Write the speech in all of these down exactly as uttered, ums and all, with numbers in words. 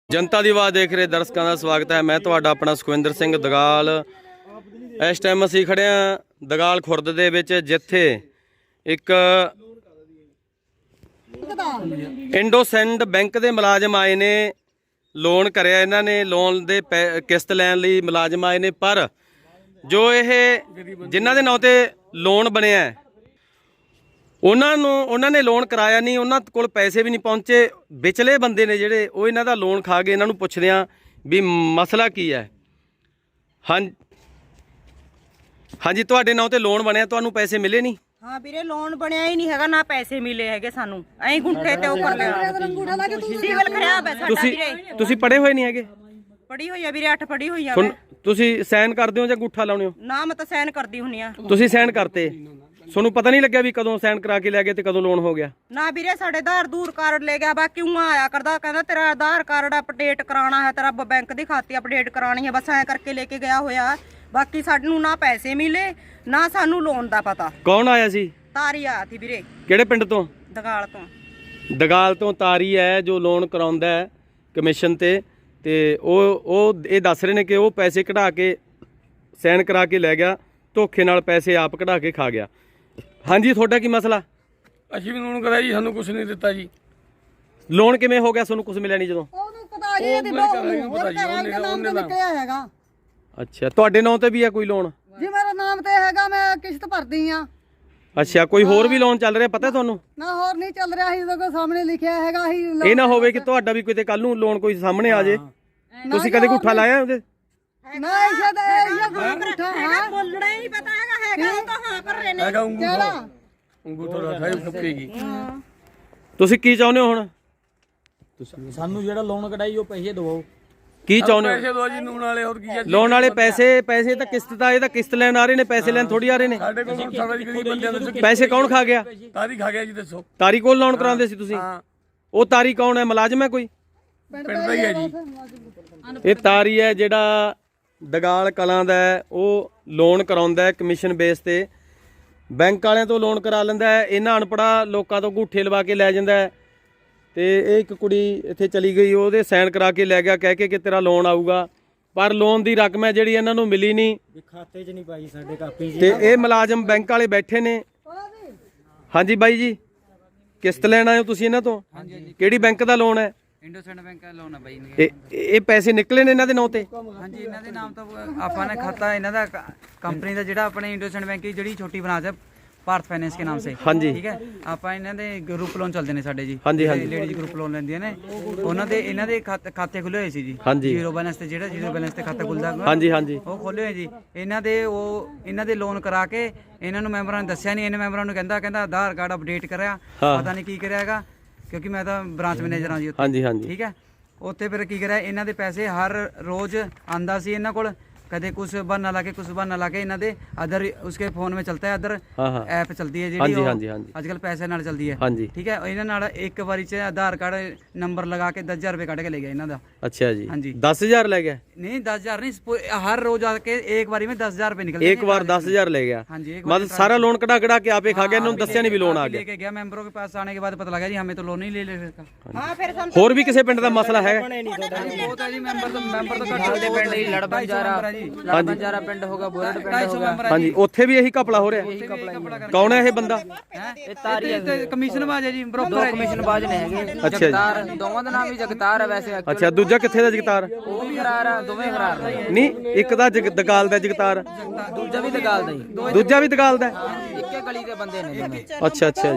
जनता दी आवाज़ देख रहे दर्शकों का स्वागत है। मैं तुहाडा अपना सुखविंदर सिंह दगाल। इस टाइम असीं खड़े हाँ दगाल खुर्द दे विच, जिथे एक इंडोसेंड बैंक के मुलाजम आए ने, लोन कराया इन्हां ने, लोन दे किस्त लैण लई मुलाजम आए ने, पर जो ये जिन्हां दे नां ते लोन बनिया है उन्होंने ने लोन कराया नहीं, उन्होंने कोल पैसे भी नहीं पहुँचे। विचले बंदे ने जिहड़े वो इन्हां दा लोन खा गए। इन्हां नूं पुछदे आं भी मसला की है। हाँ हाँ जी, तुहाडे नां ते लोन बनिया, तुहानूं पैसे मिले नहीं? हाँ वीरे, लोन बनया ही नहीं हैगा, ना पैसे मिले हैगे सानू। ऐं गुंठे ते उपर लिया सिविल खराब है साडा वीरे। तुसी पढ़े होए नहीं हैगे? पढ़ी होई है वीरे, अठ पढ़ी होई है। सुन, तुसी साइन करदे हो जां अंगूठा लाउणे हो? ना मैं तो साइन करदी हुन्नी आ। तुसी साइन करते, सोनू पता नहीं लग्या भी कदों साइन करा के लै गए ते कदों लोन हो गया? ना वीरे, साडे आधार दूर कार्ड ले गया, बा क्यों आया करदा, कहंदा तेरा आधार कार्ड अपडेट कराना है, तेरा बैंक दी खाते अपडेट करानी है, बस ऐ करके लेके गया होया। बाकी सानू ना पैसे मिले ना सानू लोन दा पता। कौन आया सी? तारी आया थी वीरे। किहड़े पिंड तो? दगाल तो। दगाल तो तारी है जो लोन कराउंदा है कमीशन ते ते ओ ओ ये दस रहे ने कि वो पैसे कढ़ा के साइन करा के लै गया, धोखे नाल पैसे आप कढ़ा के खा गया। हाँ जी, थोड़ा की मसला? ਅਸੀਂ ਵੀ ਲੋਨ ਕਰਾਇਆ ਜੀ, ਸਾਨੂੰ ਕੁਝ ਨਹੀਂ ਦਿੱਤਾ ਜੀ। लोन किवें हो गया, सोनू कुछ मिलिया नहीं जदों? अच्छा, तुहाडे नाम ते भी है कोई लोन? जी मेरा नाम ते हैगा, मैं किश्त भरदी आ। अच्छा, कोई होर भी लोन चल रहा पता तुहानू? ना होर नहीं चल रहा ही, तो सामने लिखिया हैगा ही। ਇਹ ਨਾ ਹੋਵੇ ਕਿ ਤੁਹਾਡਾ ਵੀ ਕਿਤੇ ਕੱਲ ਨੂੰ ਲੋਨ ਕੋਈ ਸਾਹਮਣੇ ਆ ਜੇ। ਤੁਸੀਂ ਕਦੇ ਗੁੱਠਾ ਲਾਇਆ ਉਹਦੇ? ना ऐसा तो ऐसा कोई उठा हां बोलना ही नहीं पता हैगा, हैगा तो हां कर रहे ने। ਹੈਗਾ ਅੰਗੂਠਾ ਅੰਗੂਠਾ ਦਾ ਸਾਈ ਫੁੱਕੇਗੀ। ਤੁਸੀਂ ਕੀ ਚਾਹੁੰਦੇ ਹੋ ਹੁਣ? ਸਾਨੂੰ ਜਿਹੜਾ ਲੋਨ ਕਢਾਈ ਉਹ ਪੈਸੇ ਦਿਵਾਓ। ਕੀ ਚਾਹੁੰਦੇ ਹੋ? ਪੈਸੇ ਦੋ ਜੀ ਨੂਣ ਵਾਲੇ, ਹੋਰ ਕੀ ਹੈ? ਲੋਨ ਵਾਲੇ ਪੈਸੇ ਪੈਸੇ ਤਾਂ ਕਿਸ਼ਤ ਦਾ, ਇਹ ਤਾਂ ਕਿਸ਼ਤ ਲੈਣ ਆ ਰਹੇ ਨੇ, ਪੈਸੇ ਲੈਣ ਥੋੜੀ ਆ ਰਹੇ ਨੇ। ਸਾਡੇ ਕੋਲ ਸਾਡਾ ਜੀ ਗਰੀਬ ਬੰਦਿਆਂ ਦੇ ਪੈਸੇ ਕੌਣ ਖਾ ਗਿਆ? ਤਾਰੀ ਖਾ ਗਿਆ ਜੀ, ਦੱਸੋ। ਤਾਰੀ ਕੋਲ ਲੋਨ ਕਰਾਉਂਦੇ ਸੀ ਤੁਸੀਂ? ਹਾਂ, ਉਹ ਤਾਰੀ ਕੌਣ ਹੈ? ਮੁਲਾਜ਼ਮ ਹੈ ਕੋਈ? ਪਿੰਡ ਦਾ ਹੀ ਹੈ ਜੀ। ਇਹ ਤਾਰੀ ਹੈ ਜਿਹੜਾ ਦਗਾਲ ਕਲਾਂ ਦਾ ਹੈ, ਉਹ ਲੋਨ ਕਰਾਉਂਦਾ ਹੈ ਕਮਿਸ਼ਨ ਬੇਸ ਤੇ। ਬੈਂਕ ਵਾਲਿਆਂ ਤੋਂ ਲੋਨ ਕਰਾ ਲੈਂਦਾ ਹੈ, ਇਹਨਾਂ ਅਨਪੜਾ ਲੋਕਾਂ ਤੋਂ ਅੰਗੂਠੇ ਲਵਾ ਕੇ ਲੈ ਜਾਂਦਾ ਹੈ। ਤੇ ਇਹ ਇੱਕ ਕੁੜੀ ਇੱਥੇ ਚਲੀ ਗਈ, ਉਹਦੇ ਸਾਈਨ ਕਰਾ ਕੇ ਲੈ ਗਿਆ ਕਹਿ ਕੇ ਕਿ ਤੇਰਾ ਲੋਨ ਆਊਗਾ, ਪਰ ਲੋਨ ਦੀ ਰਕਮ ਹੈ ਜਿਹੜੀ ਇਹਨਾਂ ਨੂੰ ਮਿਲੀ ਨਹੀਂ, ਖਾਤੇ 'ਚ ਨਹੀਂ ਪਾਈ ਸਾਡੇ ਕਾਪੀ 'ਚ। ਤੇ ਇਹ ਮੁਲਾਜ਼ਮ ਬੈਂਕ ਵਾਲੇ ਬੈਠੇ ਨੇ। ਹਾਂਜੀ ਬਾਈ ਜੀ, ਕਿਸ਼ਤ ਲੈਣ ਆਏ ਹੋ ਤੁਸੀਂ ਇਹਨਾਂ ਤੋਂ? ਕਿਹੜੀ ਬੈਂਕ ਦਾ ਲੋਨ ਹੈ? इंडोसेंड बैंक का लोन है भाई इनके। ਇਹ ਇਹ ਪੈਸੇ ਨਿਕਲੇ ਨੇ ਇਹਨਾਂ ਦੇ ਨਾਂ ਤੇ? हाँ जी, इन्हों के नाम तो आपने खाता इन्हों का कंपनी का जोड़ा अपने इंडोसेंड बैंक की जी छोटी ब्रांच है भारत फाइनेंस के नाम से। हाँ जी, ठीक है। आप इन्हों के ग्रुप लोन चलते हैं साडे जी। हाँ जी, हाँ जी। लेडीज ग्रुप लोन लेंदियां ने, उन्होंने इन्हों के खाते खुले हुए सी जी। हाँ जी। जीरो बैलेंस से जो जीरो बैलेंस से खाता खुलता हाँ जी, हाँ जी। वो खोले हुए जी। इन्हों के वो इन्हों के लोन करा के इन्होंने मैंबरां ने दस्सिया नहीं, इन्हें मैंबरां ने कहंदा कहंदा आधार कार्ड अपडेट कराया, पता नहीं की कराएगा, क्योंकि मैं तो ब्रांच मैनेजर हाँ जी। हाँ जी, हाँ जी। ठीक है। ਉੱਥੇ ਫਿਰ ਕੀ ਕਰਿਆ, ਇਹਨਾਂ ਦੇ ਪੈਸੇ ਹਰ ਰੋਜ਼ ਆਂਦਾ ਸੀ ਇਹਨਾਂ ਕੋਲ, ਕਦੇ ਕੁਝ ਬਹਾਨਾ ਲਾ ਕੇ ਕੁਝ ਬਹਾਨਾ ਲਾ ਕੇ ਇਹਨਾਂ ਦੇ ਅਦਰ ਉਸਕੇ ਫੋਨ ਵਿੱਚ ਚਲਤਾ ਹੈ, ਅਦਰ ਐਪ ਚਲਦੀ ਹੈ ਜਿਹੜੀ ਅੱਜ ਕੱਲ ਪੈਸੇ ਨਾਲ ਚਲਦੀ ਹੈ। ਠੀਕ ਹੈ। ਇਹਨਾਂ ਨਾਲ ਇੱਕ ਵਾਰੀ ਚ ਆਧਾਰ ਕਾਰਡ ਨੰਬਰ ਲਗਾ ਕੇ ਦਸ ਹਜ਼ਾਰ ਰੁਪਏ ਕੱਢ ਕੇ ਲੈ ਗਿਆ ਇਹਨਾਂ ਦਾ। अच्छा जी। हाँ जी। दस हजार ले गया? नहीं, दस हजार नहीं, हर रोज आके एक बारी में दस हजार रुपए निकल एक बार दस हजार ले गया? हाँ जी। मतलब सारा लोन कटा कटा के आपे खा गया, इन्होंने दस्या नहीं भी लोन आ गया? लेके गया मेंबरों के पास, आने के बाद पता लगा जी हमें तो लोन ही ले ले सकता। हां फिर हम होर भी किसी पिंड दा मसला है? बहुत है जी, मेंबर तो मेंबर तो कट पिंड ही लड़बन जा रहा जी। लड़बन जा रहा पिंड होगा, बोरड पिंड होगा। हां जी, ओथे भी यही घपला हो रहा है। कौन है ये बंदा? ਇਹ ਤਾਰੀ ਹੈ, ਕਮਿਸ਼ਨ ਬਾਜ ਹੈ ਜੀ, ਬਰੋਕਰ ਹੈ। ਕਮਿਸ਼ਨ ਬਾਜ ਨੇ ਹੈਗੇ ਜਗਤਾਰ, ਦੋਵਾਂ ਦਾ ਨਾਮ ਵੀ ਜਗਤਾਰ ਹੈ ਵੈਸੇ। ਅੱਛਾ, ਦੂਜਾ ਕਿੱਥੇ ਦਾ ਜਗਤਾਰ? ਉਹ ਵੀ ਖਰਾਰ ਆ, ਦੋਵੇਂ ਖਰਾਰ ਨੇ। ਨਹੀਂ, ਇੱਕ ਦਾ ਦਗਾਲ ਦਾ ਜਗਤਾਰ, ਦੂਜਾ ਵੀ ਦਗਾਲ ਦਾ ਹੀ। ਦੂਜਾ ਵੀ ਦਗਾਲ ਦਾ? ਇੱਕੇ ਗਲੀ ਦੇ ਬੰਦੇ ਨੇ ਦੋਵੇਂ। ਅੱਛਾ ਅੱਛਾ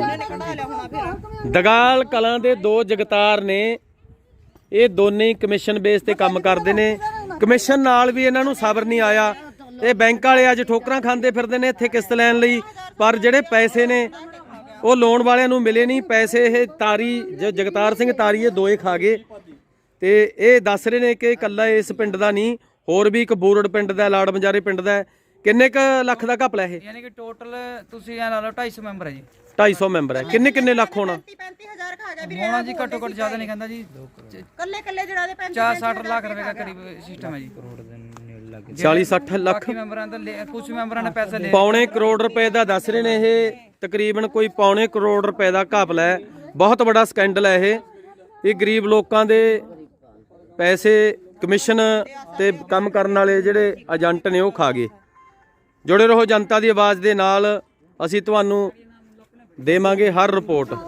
ਜੀ। ਦਗਾਲ ਕਲਾਂ ਦੇ ਦੋ ਜਗਤਾਰ ਨੇ, ਇਹ ਦੋਨੇ ਹੀ ਕਮਿਸ਼ਨ ਬੇਸ ਤੇ ਕੰਮ ਕਰਦੇ ਨੇ। ਕਮਿਸ਼ਨ ਨਾਲ ਵੀ ਇਹਨਾਂ ਨੂੰ ਸਬਰ ਨਹੀਂ ਆਇਆ। ਇਹ ਬੈਂਕ ਵਾਲੇ ਅੱਜ ਠੋਕਰਾਂ ਖਾਂਦੇ ਫਿਰਦੇ ਨੇ ਇੱਥੇ ਕਿਸ਼ਤ ਲੈਣ ਲਈ, ਪਰ ਜਿਹੜੇ ਪੈਸੇ ਨੇ ਉਹ ਲੋਨ ਵਾਲਿਆਂ ਨੂੰ ਮਿਲੇ ਨਹੀਂ ਪੈਸੇ। ਇਹ ਤਾਰੀ ਜਗਤਾਰ ਸਿੰਘ ਤਾਰੀ ਇਹ ਦੋਏ ਖਾ ਗਏ, ਤੇ ਇਹ ਦੱਸ ਰਹੇ ਨੇ ਕਿ ਇਕੱਲਾ ਇਸ ਪਿੰਡ ਦਾ ਨਹੀਂ, ਹੋਰ ਵੀ ਇੱਕ ਬੋਰਡ ਪਿੰਡ ਦਾ, ਲਾੜ ਬੰਜਾਰੇ ਪਿੰਡ ਦਾ। ਕਿੰਨੇ ਕ ਲੱਖ ਦਾ ਘਪਲਾ ਇਹ? ਯਾਨੀ ਕਿ ਟੋਟਲ ਤੁਸੀਂ ਇਹ ਲਾ ਲਓ ਢਾਈ ਸੌ ਮੈਂਬਰ ਹੈ ਜੀ। ਢਾਈ ਸੌ ਮੈਂਬਰ ਹੈ। ਕਿੰਨੇ ਕਿੰਨੇ ਲੱਖ ਹੋਣਾ? पैंतीस हजार खा गया वीरे। ਹੋਣਾ ਜੀ ਘੱਟੋ ਘੱਟ ਜ਼ਿਆਦਾ ਨਹੀਂ ਕਹਿੰਦਾ ਜੀ, कल्ले कल्ले जड़ा दे पैंतीस चार साठ लाख रुपए का करीब सिस्टम है जी। चालीस सठ ਲੱਖ ਮੈਂਬਰਾਂ ਤੋਂ ਕੁਝ ਮੈਂਬਰਾਂ ਨੇ ਪੈਸੇ ਲਏ। ਪੌਣੇ ਕਰੋੜ ਰੁਪਏ ਦਾ ਦੱਸ ਰਹੇ ਨੇ ਇਹ, ਤਕਰੀਬਨ ਕੋਈ ਪੌਣੇ ਕਰੋੜ ਰੁਪਏ ਦਾ ਘਪਲਾ ਹੈ। ਬਹੁਤ ਵੱਡਾ ਸਕੈਂਡਲ ਹੈ ਇਹ। ਇਹ ਗਰੀਬ ਲੋਕਾਂ ਦੇ ਪੈਸੇ ਕਮਿਸ਼ਨ ਤੇ ਕੰਮ ਕਰਨ ਵਾਲੇ ਜਿਹੜੇ ਏਜੰਟ ਨੇ ਉਹ ਖਾ ਗਏ। ਜੁੜੇ ਰਹੋ ਜਨਤਾ ਦੀ ਆਵਾਜ਼ ਦੇ ਨਾਲ, ਅਸੀਂ ਤੁਹਾਨੂੰ ਦੇਵਾਂਗੇ ਹਰ ਰਿਪੋਰਟ।